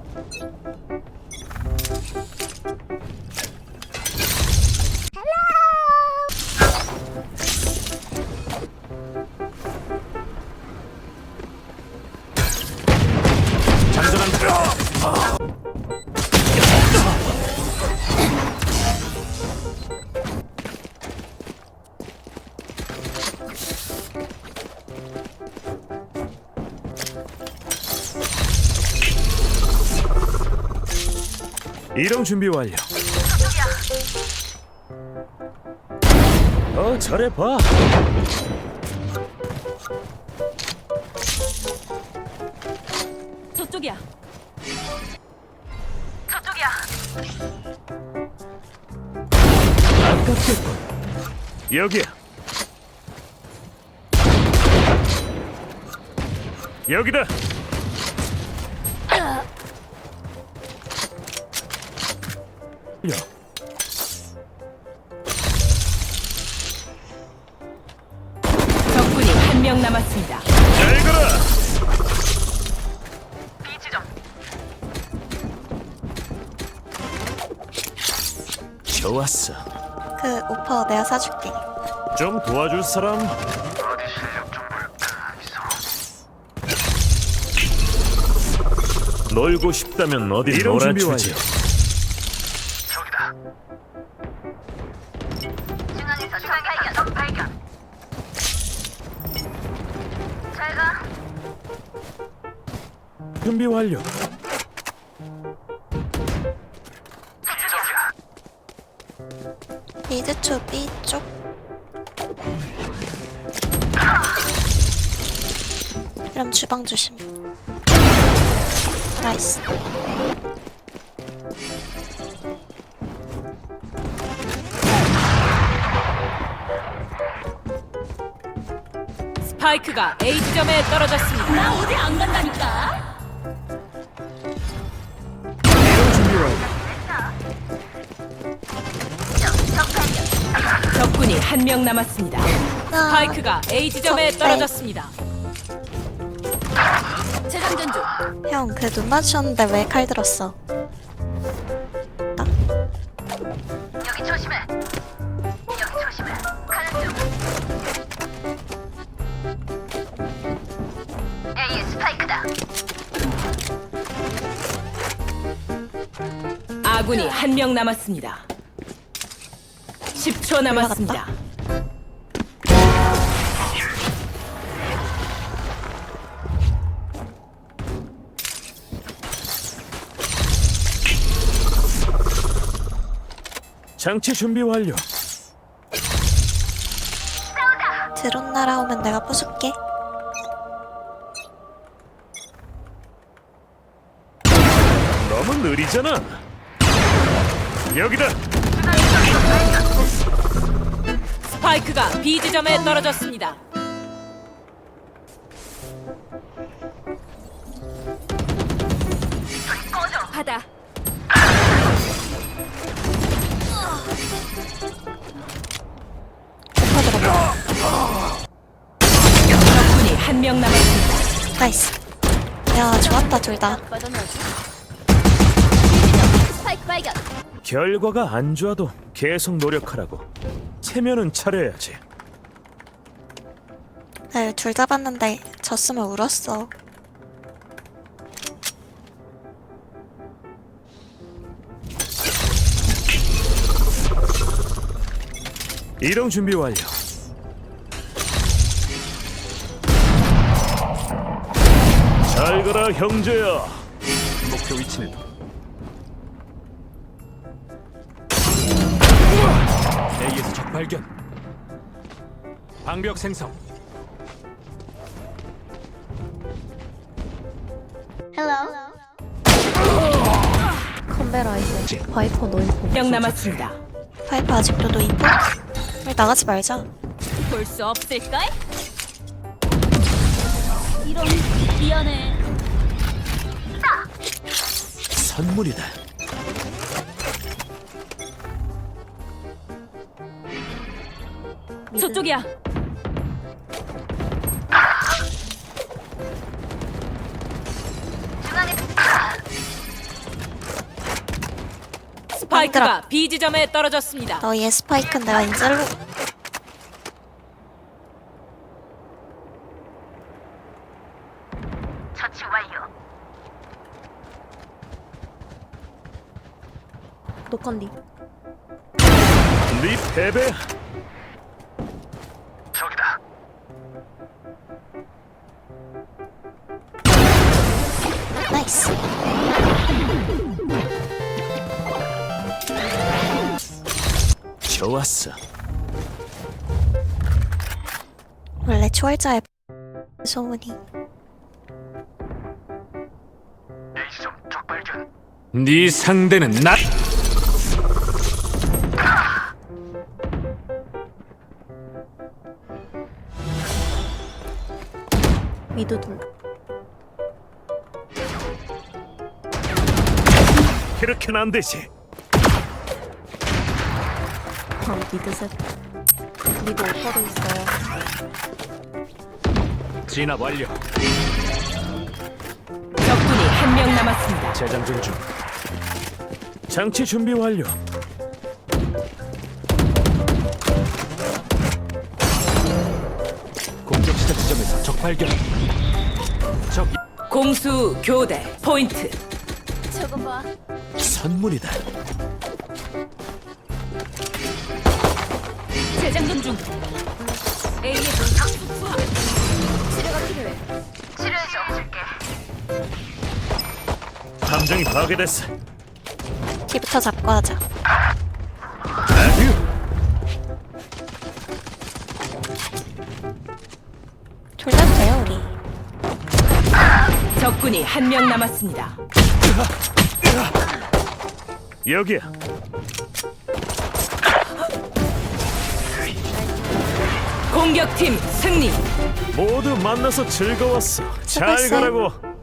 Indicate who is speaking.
Speaker 1: 이동 준비 완료. 잘해봐.
Speaker 2: 저쪽이야.
Speaker 1: 아깝겠군. 여기야. 여기다. 야.
Speaker 2: 적군이 한 명 남았습니다.
Speaker 1: 잘 가라. 좋았어.
Speaker 3: 그 오퍼 내가 사줄게.
Speaker 1: 좀 도와줄 사람? 놀고 싶다면 어디 놀아주지.
Speaker 4: 중앙에서 적 발견. 잘 가.
Speaker 1: 준비 완료.
Speaker 3: 미드초 B 쪽. 그럼 주방 조심. 나이스.
Speaker 2: 스파이크가 A 지점에 떨어졌습니다. 나 어디 안 간다니까.
Speaker 1: 이동 준비 완료.
Speaker 2: 적군이 한 명 남았습니다. 스파이크가 A 지점에 떨어졌습니다. 재장전 중.
Speaker 3: 형, 그 눈 맞추셨는데 왜 칼 들었어?
Speaker 4: 여기 조심해. 여기 조심해. 가는 중. A의 스파이크다.
Speaker 2: 아군이 한 명 남았습니다. 10초 남았습니다.
Speaker 1: 장치 준비 완료.
Speaker 3: 드론 날아오면 내가 부술게.
Speaker 1: 너무 느리잖아. 여기다.
Speaker 2: 스파이크가 B 지점에 떨어졌습니다. 받아.
Speaker 3: 오퍼 들어가.
Speaker 2: 적군이 한 명 남았습니다.
Speaker 3: 나이스. 야, 좋았다, 둘 다.
Speaker 4: 스파이크 발견.
Speaker 1: 결과가 안 좋아도 계속 노력하라고. 체면은 차려야지.
Speaker 3: 네, 둘 잡았는데 졌으면 울었어.
Speaker 1: 이동 준비 완료. 잘 가라 형제야. 목표 위치는 A에서 적 발견. 방벽 생성.
Speaker 3: 컴베라 이제 바이퍼 노인포.
Speaker 2: 명 남았습니다.
Speaker 3: 파이프 아직도 노인포? 우리 나가지 말자.
Speaker 2: 볼 수 없을까? 이런 미안해.
Speaker 1: 선물이다.
Speaker 2: 저쪽이야.
Speaker 4: 중앙에
Speaker 2: 스파이크가 B 지점에 떨어졌습니다.
Speaker 3: 너희의 스파이크는 내가 인젤로.
Speaker 4: 처치 완료.
Speaker 3: 노컨디.
Speaker 1: 네 패배야.
Speaker 4: 저기다.
Speaker 3: 나이스.
Speaker 1: 좋았어.
Speaker 3: 원래 초월자의 소문이.
Speaker 4: A지점 적발견.
Speaker 1: 네 상대는 나.
Speaker 3: 미드둘.
Speaker 1: 그렇게는 안 되지.
Speaker 3: 미드 셋. 미드 오퍼도 있어요.
Speaker 1: 진압 완료.
Speaker 2: 적군이 한 명 남았습니다.
Speaker 1: 재장전 중. 장치 준비 완료. 공격 시작 지점에서 적 발견. 적
Speaker 2: 공수 교대 포인트.
Speaker 4: 저거 봐.
Speaker 1: 선물이다.
Speaker 2: 재장전 중. A의
Speaker 4: 치료가 필요해. 치료해줘. 줄게.
Speaker 1: 함정이 파괴됐어.
Speaker 3: 뒤부터 잡고 하자.
Speaker 1: 아휴.
Speaker 3: 돌려도 돼요 우리.
Speaker 2: 적군이 한 명 남았습니다.
Speaker 1: 여기야.
Speaker 2: 공격팀 승리.
Speaker 1: 모두 만나서 즐거웠어. 잘
Speaker 3: 수고했어요.
Speaker 1: 가라고.